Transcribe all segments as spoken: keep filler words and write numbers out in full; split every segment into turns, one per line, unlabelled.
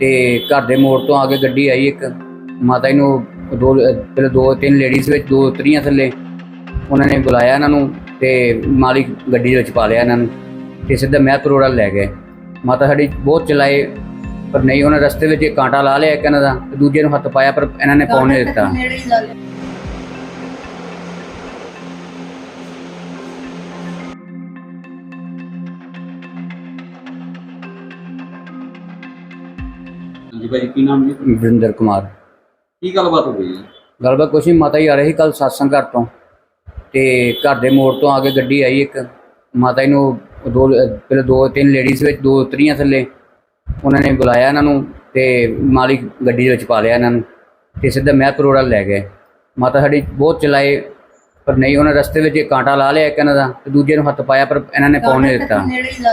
ਤੇ घर ਦੇ ਮੋੜ ਤੋਂ ਆ ਕੇ ਗੱਡੀ ਆਈ ਇੱਕ ਮਾਤਾ ਜੀ ਨੂੰ ਦੋ ਪਹਿਲੇ ਦੋ ਤਿੰਨ ਲੇਡੀਜ਼ ਵਿੱਚ ਦੋ ਉਤਰੀਆਂ ਥੱਲੇ ਉਹਨਾਂ ਨੇ ਬੁਲਾਇਆ ਇਹਨਾਂ ਨੂੰ ਤੇ ਮਾਲਿਕ ਗੱਡੀ ਦੇ ਵਿੱਚ ਪਾ ਲਿਆ ਇਹਨਾਂ ਨੂੰ ਤੇ ਸਿੱਧਾ ਮਹਿਤਪੁਰ ਰੋਡ ਲੈ ਗਏ। ਮਾਤਾ ਸਾਡੀ ਬਹੁਤ ਚਲਾਏ ਪਰ ਨਹੀਂ ਉਹਨਾਂ ਰਸਤੇ ਵਿੱਚ ਇੱਕ ਕਾਂਟਾ ਲਾ ਲਿਆ ਇੱਕ ਇਹਨਾਂ ਦਾ ਤੇ ਦੂਜੇ ਨੂੰ ਹੱਥ ਪਾਇਆ ਪਰ ਇਹਨਾਂ ਨੇ ਪਾਉਣ ਨਹੀਂ ਦਿੱਤਾ।
जी भाई की नाम जी?
ਵਰਿੰਦਰ ਕੁਮਾਰ।
की गलबात हो गई?
ਗੱਲਬਾਤ ਕੁਛ ਨਹੀਂ, ਮਾਤਾ ਜੀ ਆ ਰਹੇ ਸੀ ਕੱਲ ਸਤਸੰਗ ਘਰ ਤੋਂ ਤੇ ਘਰ ਦੇ ਮੋੜ ਤੋਂ ਆ ਕੇ ਗੱਡੀ ਆਈ ਇੱਕ ਮਾਤਾ ਜੀ ਨੂੰ ਦੋ ਪਹਿਲੇ ਦੋ ਤਿੰਨ ਲੇਡੀਜ਼ ਵਿੱਚ ਦੋ ਉਤਰੀਆਂ ਥੱਲੇ ਉਹਨਾਂ ਨੇ ਬੁਲਾਇਆ ਇਹਨਾਂ ਨੂੰ ਤੇ ਮਾਲਿਕ ਗੱਡੀ ਦੇ ਵਿੱਚ ਪਾ ਲਿਆ ਇਹਨਾਂ ਨੂੰ ਤੇ ਸਿੱਧਾ ਮਹਿਤਪੁਰ ਰੋਡ ਲੈ ਗਏ। ਮਾਤਾ ਸਾਡੀ ਬਹੁਤ ਚਲਾਏ ਪਰ ਨਹੀਂ ਉਹਨਾਂ ਰਸਤੇ ਵਿੱਚ ਇੱਕ ਕਾਂਟਾ ਲਾ ਲਿਆ ਇੱਕ ਇਹਨਾਂ ਦਾ ਤੇ ਦੂਜੇ ਨੂੰ ਹੱਥ ਪਾਇਆ ਪਰ ਇਹਨਾਂ ਨੇ ਪਾਉਣ ਨਹੀਂ ਦਿੱਤਾ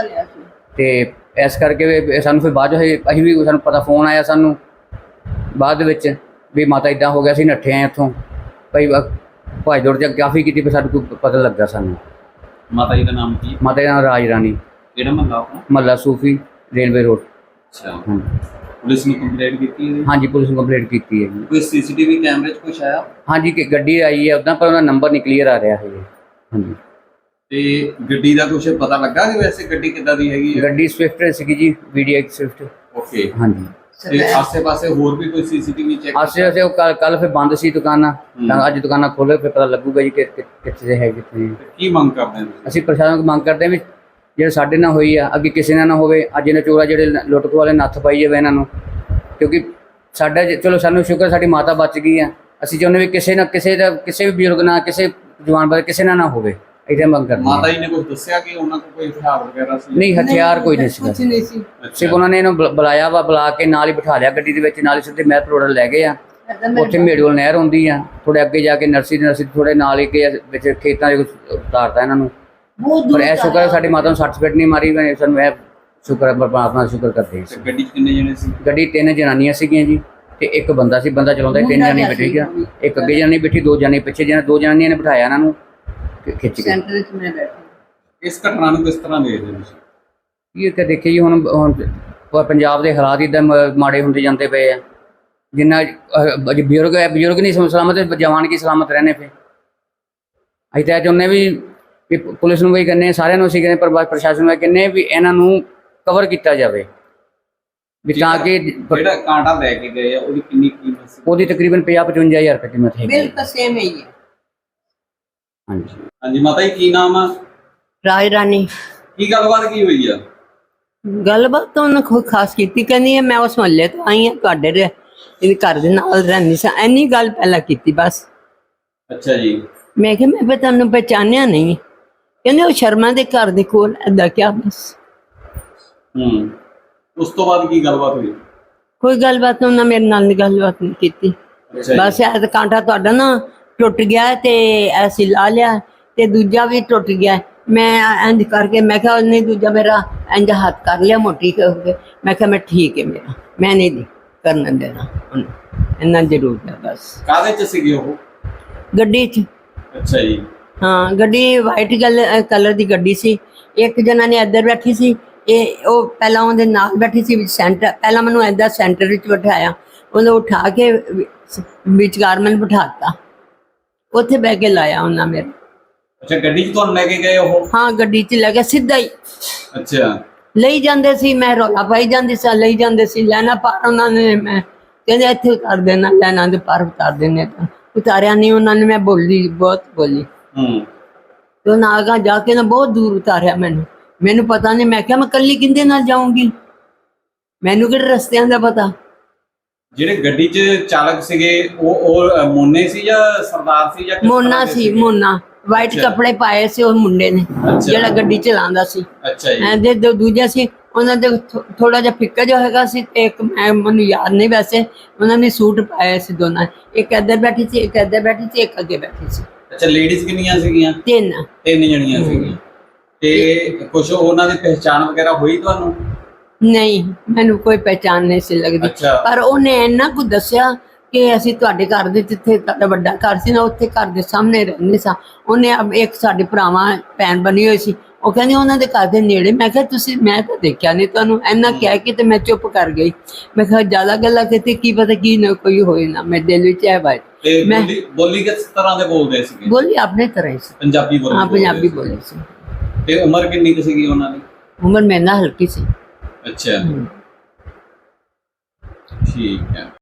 ਤੇ ਇਸ ਕਰਕੇ ਵੀ ਸਾਨੂੰ ਫਿਰ ਬਾਅਦ ਅਸੀਂ ਵੀ ਸਾਨੂੰ ਪਤਾ ਫੋਨ ਆਇਆ ਸਾਨੂੰ ਬਾਅਦ ਵਿੱਚ ਵੀ ਮਾਤਾ ਇੱਦਾਂ ਹੋ ਗਿਆ ਸੀ ਨੱਠੇ ਆਏ ਇੱਥੋਂ ਭਾਈ ਭਾਈ ਦੌੜ ਜਾ ਕਾਫੀ ਕੀਤੀ ਪਰ ਸਾਨੂੰ ਕੋਈ ਪਤਾ ਲੱਗਾ ਸਾਨੂੰ।
माता जी का नाम की?
ਮਾਤਾ ਦਾ ਨਾਮ ਰਾਜ ਰਾਣੀ,
केड़ा महल्ला आपका?
ਮਹੱਲਾ ਸੂਫੀ ਰੇਲਵੇ ਰੋਡ।
अच्छा पुलिस ने कंप्लेंट की है?
हाँ जी पुलिस ने कंप्लेंट की है जी।
कोई सीसीटीवी कैमरे च कुछ आया?
हाँ जी कि गड्डी आई है उदा पर उनका नंबर नहीं क्लीयर आ रहा है। हाँ जी
ਤੇ ਗੱਡੀ ਦਾ ਕੁਝ ਪਤਾ ਲੱਗਾ ਕਿ ਵੈਸੇ ਗੱਡੀ ਕਿੱਦਾਂ ਦੀ ਹੈਗੀ ਹੈ?
ਗੱਡੀ ਸਵਿਫਟ ਸੀਗੀ ਜੀ, ਵੀਡੀਐਕਸ ਸਵਿਫਟ।
ਓਕੇ
हाँ जी
ਤੇ ਆਸੇ-ਪਾਸੇ ਹੋਰ ਵੀ ਕੋਈ ਸੀਸੀਟੀਵੀ ਚੈੱਕ?
आसे पासे कल कल फिर बंद सी दुकाना अज दुकाना खोले फिर पता लगूगा जी कि कितने है कितने।
ਕੀ ਮੰਗ ਕਰਦੇ ਨੇ?
ਅਸੀਂ ਪ੍ਰਸ਼ਾਸਨ ਨੂੰ ਮੰਗ ਕਰਦੇ ਹਾਂ ਵੀ ਜਿਹੜੇ ਸਾਡੇ ਨਾਲ ਹੋਈ ਆ ਅੱਗੇ ਕਿਸੇ ਨਾਲ ਨਾ ਹੋਵੇ। ਅੱਜ ਇਹਨਾਂ ਚੋਰਾ ਜਿਹੜੇ ਲੁੱਟ ਖੋਹ ਵਾਲੇ ਨੱਥ ਪਾਈ ਜਾਵੇ ਇਹਨਾਂ ਨੂੰ ਕਿਉਂਕਿ ਸਾਡਾ ਚਲੋ ਸਾਨੂੰ ਸ਼ੁਕਰ ਸਾਡੀ ਮਾਤਾ ਬਚ ਗਈ ਆ। ਅਸੀਂ ਚਾਹੁੰਦੇ ਵੀ ਕਿਸੇ ਨਾ ਕਿਸੇ ਦਾ ਕਿਸੇ ਵੀ ਬਜ਼ੁਰਗ ਨਾਲ ਕਿਸੇ ਜਵਾਨ ਬਾਰੇ ਕਿਸੇ ਨਾਲ ਨਾ ਹੋਵੇ ਇਹਦੇ ਮੰਗ ਕਰਦੇ।
ਮਾਤਾ ਜੀ ਨੇ ਕੁਝ ਦੱਸਿਆ ਕਿ ਉਹਨਾਂ ਕੋਲ ਕੋਈ ਹਥਿਆਰ ਵਗੈਰਾ ਸੀ?
ਨਹੀਂ ਹਥਿਆਰ ਕੋਈ ਨਹੀਂ ਸੀ,
ਕੁਝ ਨਹੀਂ ਸੀ।
ਸਿਰਫ ਉਹਨਾਂ ਨੇ ਇਹਨੂੰ ਬੁ- ਬੁਲਾਇਆ ਵਾ, ਬੁਲਾ ਕੇ ਨਾਲ ਹੀ ਬਿਠਾ ਲਿਆ ਗੱਡੀ ਦੇ ਵਿੱਚ, ਨਾਲ ਹੀ ਸਿੱਧੇ ਮਹਿਤਪੁਰ ਰੋਡ ਲੈ ਗਏ ਆ। ਉੱਥੇ ਮੇੜੂਲ ਨਹਿਰ ਹੁੰਦੀ ਆ ਥੋੜੇ ਅੱਗੇ ਜਾ ਕੇ ਨਰਸਰੀ ਨਰਸਰੀ ਥੋੜੇ ਨਾਲ ਹੀ ਕੇ ਵਿੱਚ ਖੇਤਾਂ ਦੇ ਉਤਾਰਤਾ ਇਹਨਾਂ ਨੂੰ। ਪਰ ਇਹ ਸ਼ੁਕਰ ਹੈ ਸਾਡੀ ਮਾਤਾ ਨੂੰ ਸੱਟ ਫੇਟ ਨਹੀਂ ਮਾਰੀ। ਮੈਂ ਸਾਨੂੰ ਇਹ ਸ਼ੁਕਰ ਹੈ ਪਰਮਾਤਮਾ ਦਾ ਸ਼ੁਕਰ ਕਰਦੇ
ਤੇ
ਹਾਂ।
ਗੱਡੀ 'ਚ ਕਿੰਨੇ ਜਣੇ ਸੀ?
ਗੱਡੀ ਤਿੰਨ ਜਨਾਨੀਆਂ ਸੀਗੀਆਂ ਜੀ ਤੇ ਇੱਕ ਬੰਦਾ ਸੀ, ਬੰਦਾ ਚਲਾਉਂਦਾ ਸੀ। ਤਿੰਨ ਜਣੇ ਬੈਠੇ ਸੀ, ਇੱਕ ਅੱਗੇ ਜਨਾਨੀ ਬੈਠੀ, ਦੋ ਜਣੇ ਪਿੱਛੇ ਜਣੇ, ਦੋ ਜਨਾਨੀਆਂ ਨੇ ਬਿਠਾਇਆ ਇਹਨਾਂ ਨੂੰ ਖਿੱਚ ਕੇ।
ਸੈਂਟਰ ਵਿੱਚ ਮੈਂ ਬੈਠੀ।
ਇਸ ਘਟਨਾ ਨੂੰ ਕਿਸ ਤਰ੍ਹਾਂ ਦੇਖਦੇ ਹੋ ਤੁਸੀਂ?
ਇਹ ਕਿ ਦੇਖਿਏ ਜੀ ਹੁਣ ਹੁਣ ਪ- ਪੰਜਾਬ ਦੇ ਹਾਲਾਤ ਇੱਦਾਂ ਮ- ਮਾੜੇ ਹੁੰਦੇ ਜਾਂਦੇ ਪਏ ਆ। ਜਿੰਨਾ ਅਹ, ਅਜ ਬਜ਼ੁਰਗ ਹੈ ਬਜ਼ੁਰਗ ਨਹੀਂ ਸਮ- ਸਲਾਮਤ, ਜਵਾਨ ਕੀ ਸਲਾਮਤ ਰਹਿਣੇ ਪਏ। ਅਸੀਂ ਤਾਂ ਇਹ ਚਾਹੁੰਦੇ ਵੀ ਵੀ ਪੁਲਿਸ ਨੂੰ ਵੀ ਕਹਿੰਦੇ, ਸਾਰਿਆਂ ਨੂੰ ਅਸੀਂ ਕਹਿੰਦੇ, ਪਰ ਬਸ ਪ੍ਰਸ਼ਾਸਨ ਨੂੰ ਇਹ ਕਹਿੰਦੇ ਵੀ ਇਹਨਾਂ ਨੂੰ ਕਵਰ ਕੀਤਾ ਜਾਵੇ ਵੀ ਤਾਂ ਕਿ
ਜਿਹੜਾ ਕਾਂਟਾ ਲੈ ਕੇ ਗਏ ਆ ਉਹਦੀ ਕਿੰਨੀ ਕੀਮਤ ਸੀ?
ਉਹਦੀ ਤਕਰੀਬਨ ਪੰਜਾਹ ਪਚਵੰਜਾ ਹਜ਼ਾਰ ਰੁਪਏ ਕੀਮਤ ਹੈ।
ਬਿਲਕੁਲ ਸੇਮ ਹੀ ਹੈ।
ਹਾਂਜੀ
ਹਾਂਜੀ ਮਾਤਾ ਜੀ ਕੀ ਨਾਮ ਆ?
ਰਾਜ ਰਾਣੀ।
ਕੀ ਗੱਲਬਾਤ ਕੀ ਹੋਈ ਆ?
ਗੱਲਬਾਤ ਤਾਂ ਉਹਨੇ ਕੋਈ ਖਾਸ ਕੀਤੀ ਕਹਿੰਦੀ ਹੈ ਮੈਂ ਉਸ ਮਹੱਲੇ ਤੋਂ ਆਈ ਹਾਂ, ਤੁਹਾਡੇ ਦੇ ਇਹਦੇ ਘਰ ਦੇ ਨਾਲ ਰਹਿੰਦੀ ਸਾਂ, ਇੰਨੀ ਗੱਲ ਪਹਿਲਾਂ ਕੀਤੀ ਬਸ।
ਅੱਛਾ ਜੀ।
ਮੈਂ ਕਿਹਾ ਮੈਂ ਫਿਰ ਤੁਹਾਨੂੰ ਪਹਿਚਾਨਿਆ ਨਹੀਂ। ਕਹਿੰਦੇ ਉਹ ਸ਼ਰਮਾ ਦੇ ਘਰ ਦੇ ਕੋਲ ਏਦਾਂ ਕਿਹਾ ਬਸ।
ਹੂੰ ਉਸ ਤੋਂ ਬਾਅਦ ਕੀ ਗੱਲਬਾਤ ਹੋਈ?
ਕੋਈ ਗੱਲਬਾਤ ਉਹਨਾਂ ਮੇਰੇ ਨਾਲ ਨੀ ਗੱਲਬਾਤ ਨਹੀਂ ਕੀਤੀ।
ਅੱਛਾ ਜੀ।
ਬਸ ਇਹ ਤਾਂ ਕਾਂਟਾ ਤੁਹਾਡਾ ਨਾ ਟੁੱਟ ਗਿਆ ਤੇ ਅਸੀਂ ਲਾ ਲਿਆ ਤੇ ਦੂਜਾ ਵੀ ਟੁੱਟ ਗਿਆ। ਮੈਂ ਇੰਝ ਕਰਕੇ ਮੈਂ ਕਿਹਾ ਨਹੀਂ ਦੂਜਾ ਮੇਰਾ ਇੰਝ ਹੱਥ ਕਰ ਲਿਆ ਮੋਟੀ ਹੋ ਕੇ। ਮੈਂ ਕਿਹਾ ਮੈਂ ਠੀਕ ਹੈ, ਮੇਰਾ ਮੈਂ ਨਹੀਂ ਦੀ ਕਰਨ ਦੇਣਾ ਉਹਨੂੰ, ਇੰਨਾ ਜ਼ਰੂਰ ਹੈ ਬਸ।
ਕਾਹਦੇ 'ਚ ਸੀਗੇ ਉਹ?
ਗੱਡੀ 'ਚ।
ਅੱਛਾ ਜੀ।
ਹਾਂ ਗੱਡੀ ਵਾਈਟ ਕਲਰ ਦੀ ਗੱਡੀ ਸੀ। ਇੱਕ ਜਣਾ ਨੇ ਇੱਧਰ ਬੈਠੀ ਸੀ, ਇਹ ਉਹ ਪਹਿਲਾਂ ਉਹਦੇ ਨਾਲ ਬੈਠੀ ਸੀ ਵਿੱਚ ਸੈਂਟਰ। ਪਹਿਲਾਂ ਮੈਨੂੰ ਇੱਦਾਂ ਸੈਂਟਰ ਵਿੱਚ ਬਿਠਾਇਆ, ਉਹਨੂੰ ਉਠਾ ਕੇ ਵਿਚਕਾਰ ਮੈਨੂੰ ਬਿਠਾਤਾ, ਉੱਥੇ ਬਹਿ ਕੇ ਲਾਇਆ ਉਹਨਾਂ ਮੇਰੇ।
ਅੱਛਾ ਗੱਡੀ 'ਚ ਤੁਹਾਨੂੰ ਲੈ ਕੇ ਗਏ ਉਹ?
ਹਾਂ ਗੱਡੀ 'ਚ ਲੈ ਕੇ ਸਿੱਧਾ ਹੀ
ਅੱਛਾ
ਲਈ ਜਾਂਦੇ ਸੀ। ਮੈਂ ਰੌਲਾ ਪਾਈ ਜਾਂਦੀ ਸੀ, ਲਈ ਜਾਂਦੇ ਸੀ। ਲੈਣਾ ਪਾਰ ਉਹਨਾਂ ਨੇ, ਮੈਂ ਕਹਿੰਦੇ ਇੱਥੇ ਉਤਾਰ ਦੇਣਾ, ਲੈਣਾ ਦੇ ਪਾਰ ਉਤਾਰ ਦੇਣੇ, ਤਾਂ ਉਤਾਰਿਆ ਨਹੀਂ ਉਹਨਾਂ ਨੇ। ਮੈਂ ਬੋਲੀ ਬਹੁਤ ਬੋਲੀ
ਹੂੰ
ਤੇ ਉਹਨਾਂ ਆਗਾ ਜਾ ਕੇ ਨਾ ਬਹੁਤ ਦੂਰ ਉਤਾਰਿਆ ਮੈਨੂੰ। ਮੈਨੂੰ ਪਤਾ ਨਹੀਂ, ਮੈਂ ਕਿਹਾ ਮੈਂ ਕੱਲੀ ਕਿੰਦੇ ਨਾਲ ਜਾਊਂਗੀ, ਮੈਨੂੰ ਕਿਹੜੇ ਰਸਤਿਆਂ ਦਾ ਪਤਾ।
ਜਿਹੜੇ ਗੱਡੀ 'ਚ ਚਾਲਕ ਸੀਗੇ ਉਹ ਉਹ ਮੋਨੇ ਸੀ ਜਾਂ ਸਰਦਾਰ ਸੀ ਜਾਂ ਕਿਸ
ਮੋਨਾ
ਤਰ੍ਹਾਂ ਦੇ
ਸੀ,
ਸੀਗੇ?
ਮੋਨਾ ਵਾਈਟ
ਅੱਛਾ।
ਕੱਪੜੇ ਪਾਏ ਸੀ ਉਹ ਮੁੰਡੇ ਨੇ ਜਿਹੜਾ ਗੱਡੀ ਚਲਾਉਂਦਾ ਸੀ।
ਅੱਛਾ ਜੀ।
ਐਂਦੇ ਦੋ ਦੂਜਾ ਸੀ, ਉਹਨਾਂ ਦੇ ਥੋੜਾ ਜਿਹਾ ਫਿੱਕਾ ਜਿਹਾ ਹੈਗਾ ਸੀ ਤੇ ਇੱਕ ਮੈਂ ਮੈਨੂੰ ਯਾਦ ਨਹੀਂ, ਵੈਸੇ ਉਹਨਾਂ ਨੇ ਸੂਟ ਪਾਇਆ ਸੀ ਦੋਨਾਂ। ਇੱਕ ਇੱਧਰ ਬੈਠੀ ਸੀ, ਇੱਕ ਇੱਧਰ ਬੈਠੀ ਸੀ, ਇੱਕ ਅੱਗੇ ਬੈਠੀ ਸੀ।
ਅੱਛਾ ਲੇਡੀਜ਼ ਕਿੰਨੀਆਂ ਸੀਗੀਆਂ?
ਤਿੰਨ।
ਤਿੰਨ ਜਣੀਆਂ ਸੀਗੀਆਂ। ਤੇ ਕੁਝ ਉਹਨਾਂ ਦੀ ਪਹਿਚਾਣ ਵਗੈਰਾ ਹੋਈ ਤੁਹਾਨੂੰ?
ਨਹੀਂ ਮੈਨੂੰ ਕੋਈ ਪਹਿਚਾਣ ਨਹੀਂ ਸੀ ਲੱਗਦੀ,
ਅੱਛਾ।
ਪਰ ਉਹਨੇ ਇੰਨਾ ਕੁ ਦੱਸਿਆ ਕਿ ਅਸੀਂ ਤੁਹਾਡੇ ਘਰ ਦੇ ਜਿੱਥੇ ਤੁਹਾਡਾ ਵੱਡਾ ਘਰ ਸੀ ਨਾ, ਉੱਥੇ ਘਰ ਦੇ ਸਾਹਮਣੇ ਰਹਿੰਦੇ ਸਾਂ। ਉਹਨੇ ਅਬ ਇੱਕ ਸਾਡੇ ਭਰਾਵਾਂ ਭੈਣ ਬਣੀ ਹੋਈ ਸੀ, ਉਹ ਕਹਿੰਦੀ ਉਹਨਾਂ ਦੇ ਘਰ ਦੇ ਨੇੜੇ। ਮੈਂ ਕਿਹਾ ਤੁਸੀਂ, ਮੈਂ ਤਾਂ ਦੇਖਿਆ ਨਹੀਂ ਤੁਹਾਨੂੰ, ਇੰਨਾ ਕਹਿ ਕੇ ਤੇ ਮੈਂ ਚੁੱਪ ਕਰ ਗਈ। ਮੈਂ ਕਿਹਾ ਜ਼ਿਆਦਾ ਗੱਲਾਂ ਕੀਤੀ, ਕੀ ਪਤਾ ਕੀ ਨਾ ਕੋਈ ਹੋਏ ਨਾ, ਮੇਰੇ ਦਿਲ ਵਿੱਚ ਇਹ ਬਾਤ।
ਤੇ
ਮੈਂ-
ਬੋਲੀ ਬੋਲੀ ਕਿਸ ਤਰ੍ਹਾਂ ਦੇ ਬੋਲਦੇ ਸੀਗੇ?
ਬੋਲੀ ਆਪਣੇ ਤਰ੍ਹਾਂ ਹੀ ਸੀ,
ਪੰਜਾਬੀ ਬੋਲੀ
ਹਾਂ
ਬੋਲਦੇ
ਪੰਜਾਬੀ
ਸੀ।
ਬੋਲੀ ਸੀ।
ਤੇ ਉਮਰ ਕਿੰਨੀ ਕੁ ਸੀਗੀ ਉਹਨਾਂ ਦੀ?
ਉਮਰ ਮੇਰੇ ਨਾਲ ਹਲਕੀ ਸੀ।
ਅੱਛਾ,
ਹਮ।
ਠੀਕ ਹੈ।